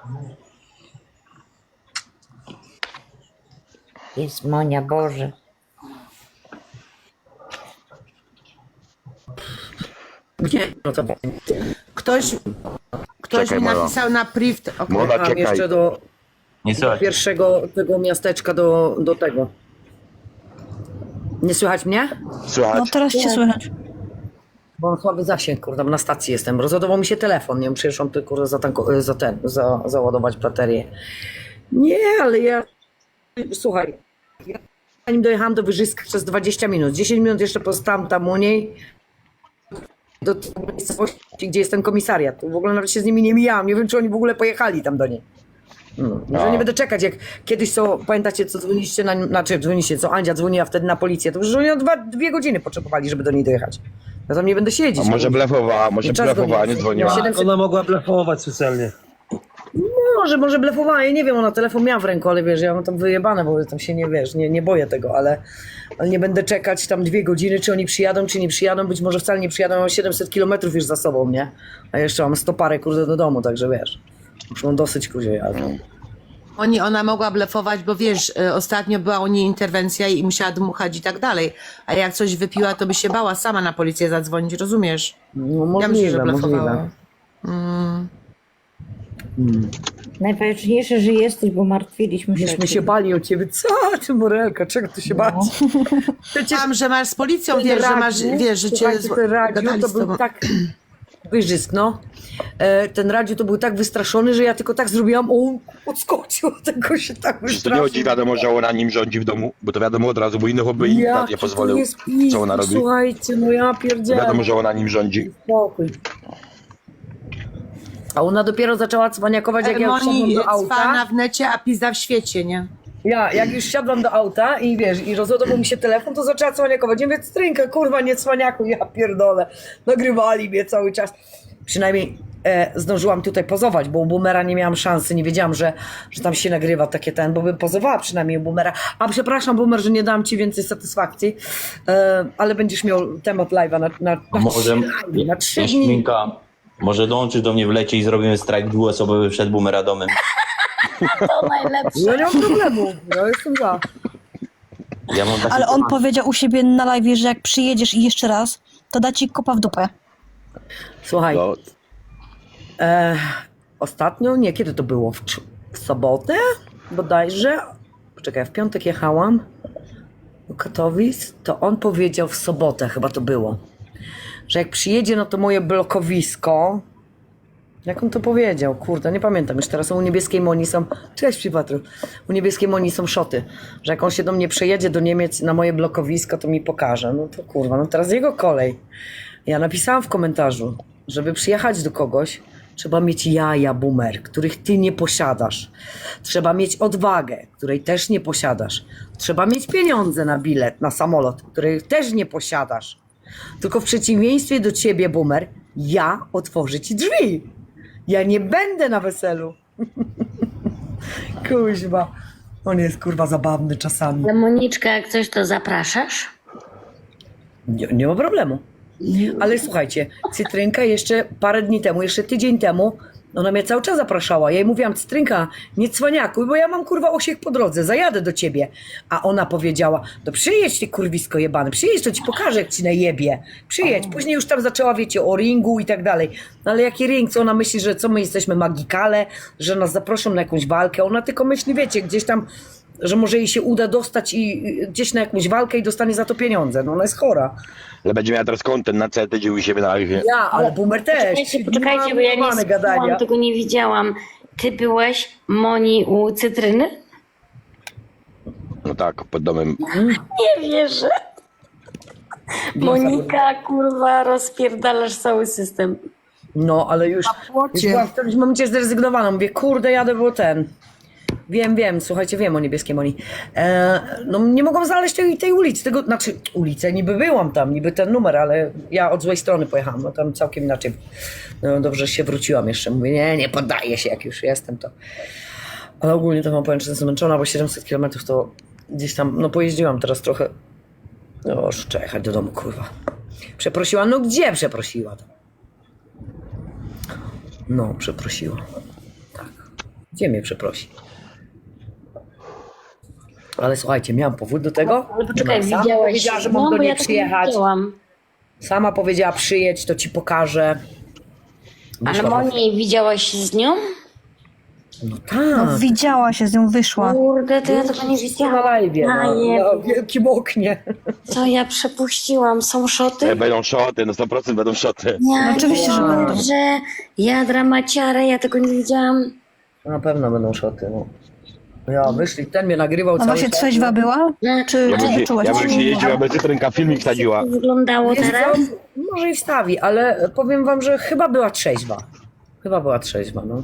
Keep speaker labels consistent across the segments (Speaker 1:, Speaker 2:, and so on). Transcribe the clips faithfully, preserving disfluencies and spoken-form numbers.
Speaker 1: Jest Monia, Boże.
Speaker 2: Nie, no to ktoś, ktoś
Speaker 3: Czekaj,
Speaker 2: mi
Speaker 3: Mola.
Speaker 2: napisał na priv. Okay.
Speaker 3: Mola,
Speaker 2: Mam
Speaker 3: czekaj.
Speaker 2: jeszcze do,
Speaker 4: Nie
Speaker 2: do
Speaker 4: słychać.
Speaker 2: pierwszego tego miasteczka, do, do tego. Nie słychać mnie?
Speaker 3: Słychać?
Speaker 5: No teraz cię słychać.
Speaker 2: Bo mam słaby zasięg, kurde, na stacji jestem. Rozładował mi się telefon, nie wiem, przyszłam tu, kurde, za, tanko, za ten, za, załadować baterię. Nie, ale ja... Słuchaj, ja zanim dojechałam do Wyżyska przez dwadzieścia minut, dziesięć minut jeszcze pozostałam tam u niej, do tej miejscowości, gdzie jest ten komisariat. W ogóle nawet się z nimi nie mijałam, nie wiem, czy oni w ogóle pojechali tam do niej. No, że nie będę czekać, jak kiedyś co, pamiętacie, co dzwoniliście, na, znaczy dzwoniliście, co Andzia dzwoniła wtedy na policję, to już oni o dwa, dwie godziny potrzebowali, żeby do niej dojechać. Ja tam nie będę siedzieć.
Speaker 3: A może blefowała, może
Speaker 2: I czas
Speaker 3: blefowała,
Speaker 2: goni.
Speaker 3: nie dzwoniła.
Speaker 2: siedemset
Speaker 6: Ona mogła blefować specjalnie.
Speaker 2: Może, może blefowała, ja nie wiem, ona telefon miała w ręku, ale wiesz, ja mam tam wyjebane, bo tam się nie, wiesz, nie, nie boję tego, ale, ale nie będę czekać tam dwie godziny, czy oni przyjadą, czy nie przyjadą, być może wcale nie przyjadą, mam siedemset kilometrów już za sobą, nie? A jeszcze mam sto parę, kurde, do domu, także wiesz, już mam dosyć, kurde, ale... Oni, ona mogła blefować, bo wiesz, y, ostatnio była u niej interwencja i musiała dmuchać i tak dalej, a jak coś wypiła, to by się bała sama na policję zadzwonić, rozumiesz? No możliwe, ja myślę, że blefowała. Mm.
Speaker 1: Najważniejsze, że jesteś, bo martwiliśmy się.
Speaker 2: Myśmy się bali o ciebie. Co ty, Morelka, czego ty się bać? Przecież
Speaker 7: Tam, że masz z policją, wiesz, że masz, wiesz, że cię
Speaker 2: słuchajcie, ten Radziu
Speaker 7: gadali
Speaker 2: to
Speaker 7: z
Speaker 2: był
Speaker 7: tobą.
Speaker 2: tak wyżysk, no. E, ten Radziu to był tak wystraszony, że ja tylko tak zrobiłam, on odskoczył, tego się tak
Speaker 3: Czy to
Speaker 2: wystraszył.
Speaker 3: nie chodzi, wiadomo, że ona nim rządzi w domu? Bo to wiadomo od razu, bo innych by im
Speaker 2: Jaki
Speaker 3: nie
Speaker 2: to
Speaker 3: pozwolił.
Speaker 2: jest pis,
Speaker 3: Co ona robi?
Speaker 2: Słuchajcie, no ja pierdzielę.
Speaker 3: Wiadomo, że ona nim rządzi.
Speaker 2: Spokój. A ona dopiero zaczęła cwaniakować, jak ja już
Speaker 7: Moni
Speaker 2: siadłam do auta.
Speaker 7: cwana w necie, a pizda w świecie, nie?
Speaker 2: Ja, jak już siadłam do auta i wiesz, i rozładował mi się telefon, to zaczęła cwaniakować. Nie wiem, strynka, kurwa, nie cwaniaku, ja pierdolę. Nagrywali mnie cały czas. Przynajmniej e, zdążyłam tutaj pozować, bo u Boomera nie miałam szansy, nie wiedziałam, że, że tam się nagrywa takie ten, bo bym pozowała przynajmniej u Boomera. A przepraszam, Boomer, że nie dam ci więcej satysfakcji, e, ale będziesz miał temat live'a na, na, na,
Speaker 4: Może
Speaker 2: trzy live'y, na trzy dni.
Speaker 4: Jaśminka, może dołączysz do mnie w lecie i zrobimy strajk dwuosobowy przed Boomeradamem.
Speaker 1: To najlepsze.
Speaker 2: Ja nie mam problemu, ja jestem za.
Speaker 4: Ja mam taki
Speaker 5: Ale on
Speaker 4: temat.
Speaker 5: powiedział u siebie na live, że jak przyjedziesz i jeszcze raz, to da ci kopa w dupę.
Speaker 2: Słuchaj,
Speaker 3: No,
Speaker 2: E, ostatnio, nie, kiedy to było? W, cz- w sobotę bodajże? Poczekaj, w piątek jechałam do Katowic, to on powiedział w sobotę, chyba to było, że jak przyjedzie na to moje blokowisko, jak on to powiedział? Kurde, nie pamiętam już teraz. U Niebieskiej Moni są... Cześć, Przypatru. U Niebieskiej Moni są szoty, że jak on się do mnie przejedzie do Niemiec na moje blokowisko, to mi pokaże. No to kurwa, no teraz jego kolej. Ja napisałam w komentarzu, żeby przyjechać do kogoś, trzeba mieć jaja, Boomer, których ty nie posiadasz. Trzeba mieć odwagę, której też nie posiadasz. Trzeba mieć pieniądze na bilet, na samolot, których też nie posiadasz. Tylko w przeciwieństwie do ciebie, Boomer, ja otworzę ci drzwi. Ja nie będę na weselu. Kuźwa. On jest kurwa zabawny czasami.
Speaker 1: Ale Moniczka, jak coś, to zapraszasz?
Speaker 2: Nie, nie ma problemu. Ale słuchajcie, Cytrynka jeszcze parę dni temu, jeszcze tydzień temu, ona mnie cały czas zapraszała. Ja jej mówiłam, Cytrynka, nie cwaniakuj, bo ja mam kurwa osiech po drodze, zajadę do ciebie. A ona powiedziała, to przyjedź ty kurwisko jebany, przyjedź, to ci pokażę, jak ci najebie. Przyjedź. Później już tam zaczęła, wiecie, o ringu i tak dalej. No ale jaki ring? Co ona myśli, że co my jesteśmy magikale, że nas zaproszą na jakąś walkę? Ona tylko myśli, wiecie, gdzieś tam, że może jej się uda dostać i i gdzieś na jakąś walkę i dostanie za to pieniądze. No ona jest chora.
Speaker 3: ale będzie miała teraz content na C T, gdzie u siebie na live.
Speaker 2: Ja, ale Boomer też.
Speaker 1: Poczekajcie, poczekajcie, bo ja nie
Speaker 2: Normalne
Speaker 1: słuchałam, tego nie widziałam. Ty byłeś, Moni, u Cytryny?
Speaker 3: No tak, pod domem.
Speaker 1: Nie wierzę. Monika, kurwa, rozpierdalasz cały system.
Speaker 2: No, ale już, już byłam w którymś momencie zrezygnowana. Mówię, kurde, jadę, bo ten... Wiem, wiem, słuchajcie, wiem o Niebieskiej Moni. E, no nie mogłam znaleźć tej, tej ulicy, tego, znaczy ulicę, niby byłam tam, niby ten numer, ale ja od złej strony pojechałam, no tam całkiem inaczej. No dobrze, że się wróciłam jeszcze. Mówię, nie, nie poddaję się, jak już jestem, to... Ale ogólnie to wam powiem, że jestem zmęczona, bo siedemset kilometrów to gdzieś tam, no pojeździłam teraz trochę. No już trzeba jechać do domu, kurwa. Przeprosiła, no gdzie przeprosiła? No, przeprosiła. Tak. Gdzie mnie przeprosi? Ale słuchajcie, miałam powód do tego.
Speaker 1: Ale poczekaj,
Speaker 2: Sama
Speaker 1: widziałaś
Speaker 2: powiedziała, że
Speaker 1: no,
Speaker 2: mam do
Speaker 1: bo
Speaker 2: niej
Speaker 1: ja tak nie
Speaker 2: przyjechać.
Speaker 1: widziałam.
Speaker 2: Sama powiedziała przyjedź, to ci pokażę.
Speaker 1: Ale
Speaker 2: Wyszła do-
Speaker 1: Monię widziałaś z nią?
Speaker 2: No
Speaker 5: No,
Speaker 2: tak.
Speaker 5: widziała się, z nią wyszła.
Speaker 1: Kurde, to ja tego nie
Speaker 2: Na
Speaker 1: widziałam.
Speaker 2: live,
Speaker 1: A,
Speaker 2: no,
Speaker 1: je-
Speaker 2: na wielkim oknie.
Speaker 1: Co ja przepuściłam? Są szoty?
Speaker 3: E, Będą szoty, no sto procent będą szoty.
Speaker 1: Ja
Speaker 5: No oczywiście, że będą.
Speaker 1: że ja dramaciara, ja tego nie widziałam.
Speaker 2: Na pewno będą szoty, no. Ja, wyszli, ten mnie nagrywał
Speaker 5: A
Speaker 2: cały
Speaker 5: właśnie
Speaker 2: czas.
Speaker 5: trzeźwa była? Czy,
Speaker 3: Ja
Speaker 5: czy
Speaker 3: bym
Speaker 5: nie
Speaker 3: się,
Speaker 5: czułaś?
Speaker 3: ja bym się jeździła, bez cytrynka filmik wsadziła.
Speaker 1: Jak to wyglądało
Speaker 2: Wiesz
Speaker 1: teraz?
Speaker 2: co? Może i wstawi, ale powiem wam, że chyba była trzeźwa. Chyba była trzeźwa, no.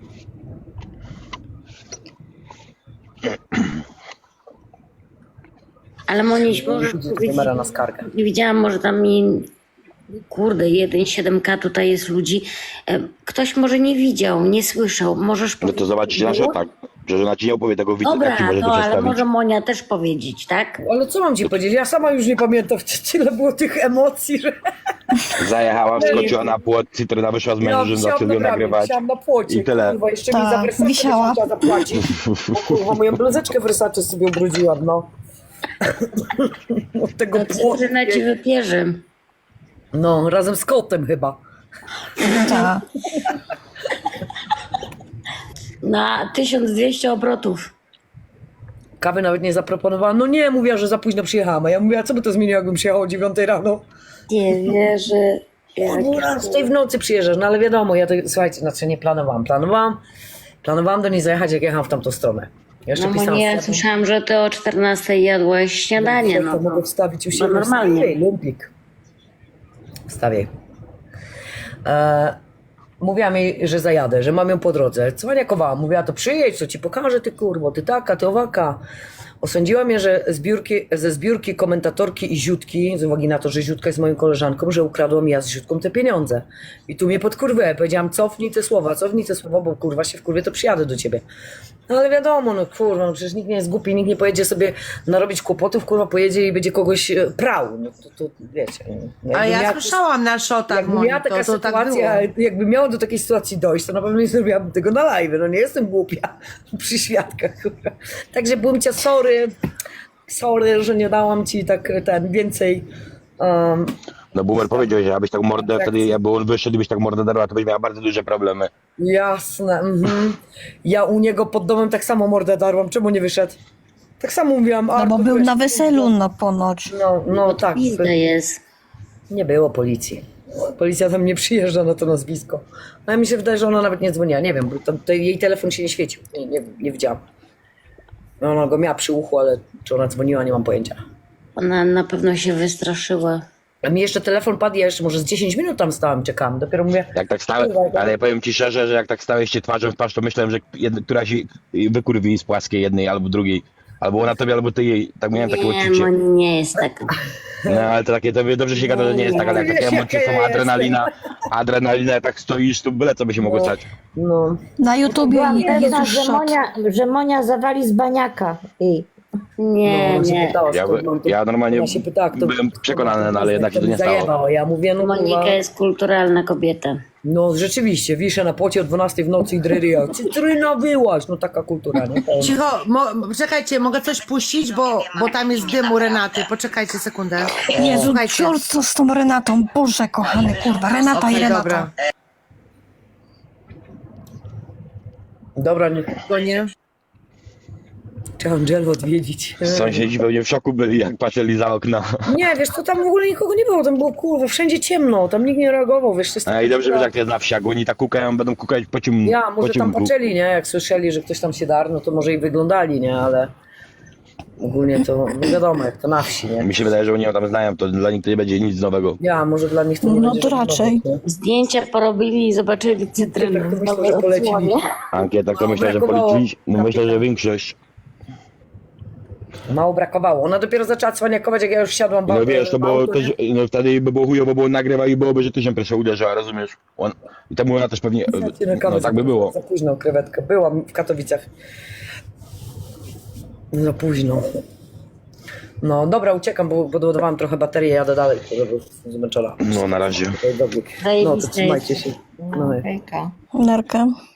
Speaker 1: Ale Moniś, możesz powiedzieć,
Speaker 2: Kamera na skargę.
Speaker 1: nie widziałam, może tam mi, kurde, jeden przecinek siedem ka tutaj jest ludzi. E, Ktoś może nie widział, nie słyszał. Możesz
Speaker 3: No
Speaker 1: powiedzieć.
Speaker 3: to zobaczycie na szotach. Że żona ci nie opowie tego widza,
Speaker 1: Dobra,
Speaker 3: jak ci może to
Speaker 1: no ale
Speaker 3: przedstawić.
Speaker 1: może Monia też powiedzieć, tak?
Speaker 2: Ale co mam ci powiedzieć? Ja sama już nie pamiętam, tyle było tych emocji, że
Speaker 3: Zajechała, wskoczyła na płot, cytryna wyszła z mężem, zaczęli ją nagrywać.
Speaker 2: Wisiałam na płocie,
Speaker 3: I tyle.
Speaker 2: kurwa, jeszcze
Speaker 5: Tak,
Speaker 2: mi za Versace
Speaker 5: wisiała.
Speaker 2: musiała zapłacić. Bo, kurwa, moją bluzeczkę Versace sobie ubrudziłam, no. Od tego
Speaker 1: To
Speaker 2: płotu.
Speaker 1: cytryna ci wypierze.
Speaker 2: No, razem z kotem chyba.
Speaker 5: Tak.
Speaker 1: Na tysiąc dwieście obrotów.
Speaker 2: Kawy nawet nie zaproponowała. No nie, mówiła, że za późno przyjechałam. A ja mówiła, co by to zmieniło, jakbym przyjechał o dziewiątej rano?
Speaker 1: Nie wierzę.
Speaker 2: O
Speaker 1: Jak...
Speaker 2: dwunastej w nocy przyjeżdżasz, no ale wiadomo, ja to, słuchajcie, znaczy nie planowałam. Planowałam, planowałam do niej zajechać, jak jechałam w tamtą stronę. Jeszcze
Speaker 1: No
Speaker 2: pisałam
Speaker 1: Monia, ja
Speaker 2: z-
Speaker 1: słyszałam, że ty o czternastej jadłaś śniadanie.
Speaker 2: To
Speaker 1: No
Speaker 2: mogę
Speaker 1: to
Speaker 2: wstawić u
Speaker 1: no
Speaker 2: siebie.
Speaker 1: normalnie.
Speaker 2: Wstawiaj, lumpik. Wstawiaj. E, mówiłam jej, że zajadę, że mam ją po drodze. Cwaniakowała. Mówiła, to przyjedź, to ci pokażę, ty kurwo, ty taka, ty owaka. Osądziła mnie, że zbiórki, ze zbiórki komentatorki i Ziutki, z uwagi na to, że Ziutka jest moją koleżanką, że ukradłam ja z Ziutką te pieniądze. I tu mnie podkurwę. Powiedziałam, cofnij te słowa, cofnij te słowa, bo kurwa się wkurwię, to przyjadę do ciebie. No ale wiadomo, no kurwa, no przecież nikt nie jest głupi, nikt nie pojedzie sobie narobić kłopotów, kurwa pojedzie i będzie kogoś e, prał. No to, to wiecie. No,
Speaker 7: A
Speaker 2: jakby
Speaker 7: ja
Speaker 2: miała-
Speaker 7: słyszałam na szotach,
Speaker 2: Jakby
Speaker 7: Moni,
Speaker 2: miała taka
Speaker 7: to, to tak
Speaker 2: sytuacja,
Speaker 7: było.
Speaker 2: jakby miało do takiej sytuacji dojść, to na pewno nie zrobiłabym tego na live. No nie jestem głupia przy świadkach. Kurwa. Także byłem cię sorry, sorry, że nie dałam ci tak ten więcej. Um,
Speaker 3: No Boomer powiedział, że abyś tak mordę, wtedy jakby on wyszedł i byś tak mordę darła, to byś miała bardzo duże problemy.
Speaker 2: jasne. Mhm. Ja u niego pod domem tak samo mordę darłam. Czemu nie wyszedł? Tak samo mówiłam.
Speaker 5: No
Speaker 2: Artur,
Speaker 5: bo był
Speaker 2: weź,
Speaker 5: na weselu, no ponoć.
Speaker 2: No, no tak.
Speaker 1: Pizda jest.
Speaker 2: Nie było policji. Policja tam nie przyjeżdża na to nazwisko. No a mi się wydaje, że ona nawet nie dzwoniła. Nie wiem, bo to, to jej telefon się nie świecił. Nie, nie, nie widziałam. No, ona go miała przy uchu, ale czy ona dzwoniła, nie mam pojęcia.
Speaker 1: Ona na pewno się wystraszyła.
Speaker 2: A mi jeszcze telefon padł, ja jeszcze może z dziesięć minut tam stałam, czekałam. Dopiero mówię,
Speaker 3: Jak tak stałe, ale ja powiem ci szczerze, że jak tak stałeś się twarzą w twarz, to myślałem, że jedna, któraś wykurwi z płaskiej jednej albo drugiej. Albo ona tobie, albo ty jej. Tak miałem takie
Speaker 1: Nie,
Speaker 3: odczucie.
Speaker 1: Moni nie jest taka.
Speaker 3: No ale to takie, to dobrze się gada, że nie jest tak, ale jak takie
Speaker 2: Wiesz,
Speaker 3: emocje
Speaker 2: jaka ja
Speaker 3: są, adrenalina, adrenalina, jak tak stoisz, to byle co by się mogło stać.
Speaker 2: no,
Speaker 5: Na YouTubie
Speaker 8: Byłam pewna,
Speaker 5: Jezus
Speaker 8: że
Speaker 5: szok.
Speaker 8: Monia, że Monia zawali z baniaka. I
Speaker 1: Nie,
Speaker 2: no, ona się
Speaker 1: nie.
Speaker 2: pytała,
Speaker 3: Ja,
Speaker 2: skąd mam to-
Speaker 3: ja normalnie
Speaker 2: ona się pytała, kto-
Speaker 3: byłem
Speaker 2: kto-
Speaker 3: przekonany, no,
Speaker 2: kto-
Speaker 3: ale jednak się to nie stało.
Speaker 2: zajebało. Ja mówię, no
Speaker 1: Monika
Speaker 2: kurwa,
Speaker 1: jest kulturalna kobieta.
Speaker 2: no rzeczywiście, wiszę na płocie o dwunastej w nocy i dryria. Cytryna wyłaś, no taka kultura, nie? To-
Speaker 7: Cicho, mo, czekajcie, mogę coś puścić, bo, bo tam jest dym u Renaty. Poczekajcie sekundę.
Speaker 5: Jezu,
Speaker 7: Słuchajcie.
Speaker 5: cior, co z tą Renatą? Boże kochany, kurwa, Renata
Speaker 7: Okej,
Speaker 5: i Renata.
Speaker 7: dobra.
Speaker 2: Dobra, nie.
Speaker 7: Go nie?
Speaker 2: Trzeba Angelę odwiedzić.
Speaker 3: Sąsiedzi pewnie w szoku byli, jak patrzyli za okno.
Speaker 2: Nie, wiesz, to tam w ogóle nikogo nie było, tam było kurwa, wszędzie ciemno, tam nikt nie reagował, wiesz, to jest
Speaker 3: A i dobrze wiesz, jak to jest na wsi, jak oni tak kukają, będą kukać po ciemku.
Speaker 2: ja,
Speaker 3: po
Speaker 2: może tam
Speaker 3: ciemku.
Speaker 2: patrzyli, nie, jak słyszeli, że ktoś tam się darł, no to może i wyglądali, nie, ale ogólnie to no wiadomo, jak to na wsi, nie.
Speaker 3: Mi się wydaje, że oni ją tam znają, to dla nich to nie będzie nic nowego.
Speaker 2: Ja, może dla nich to nie
Speaker 5: No
Speaker 2: będzie
Speaker 5: to
Speaker 2: żadnego,
Speaker 5: raczej.
Speaker 2: nie?
Speaker 1: Zdjęcia porobili i zobaczyli cytrynę.
Speaker 2: Tak to myślę, że polecili.
Speaker 3: Ankieta, to
Speaker 2: Mało
Speaker 3: myślę, że
Speaker 2: brakowało.
Speaker 3: policzyli, no myślę, że większość.
Speaker 2: Mało brakowało. Ona dopiero zaczęła cwaniakować, jak ja już wsiadłam w
Speaker 3: No
Speaker 2: auto,
Speaker 3: wiesz, to
Speaker 2: w
Speaker 3: było
Speaker 2: auto,
Speaker 3: też,
Speaker 2: nie?
Speaker 3: no wtedy by było chujowo, bo on nagrywa i byłoby, że ty się pierwsza uderzyła, rozumiesz? On, i temu ona też pewnie,
Speaker 2: Znaczy, na kawę
Speaker 3: no tak by
Speaker 2: za-
Speaker 3: było.
Speaker 2: Za późno krewetkę. Byłam w Katowicach. Za późno. No dobra, uciekam, bo podładowałam trochę baterię, jadę dalej, bo jestem zmęczona.
Speaker 3: No na razie.
Speaker 2: No to
Speaker 1: Zajebiste
Speaker 2: trzymajcie
Speaker 1: jest.
Speaker 2: się. No, hej.
Speaker 8: hejka.
Speaker 5: Nerkę.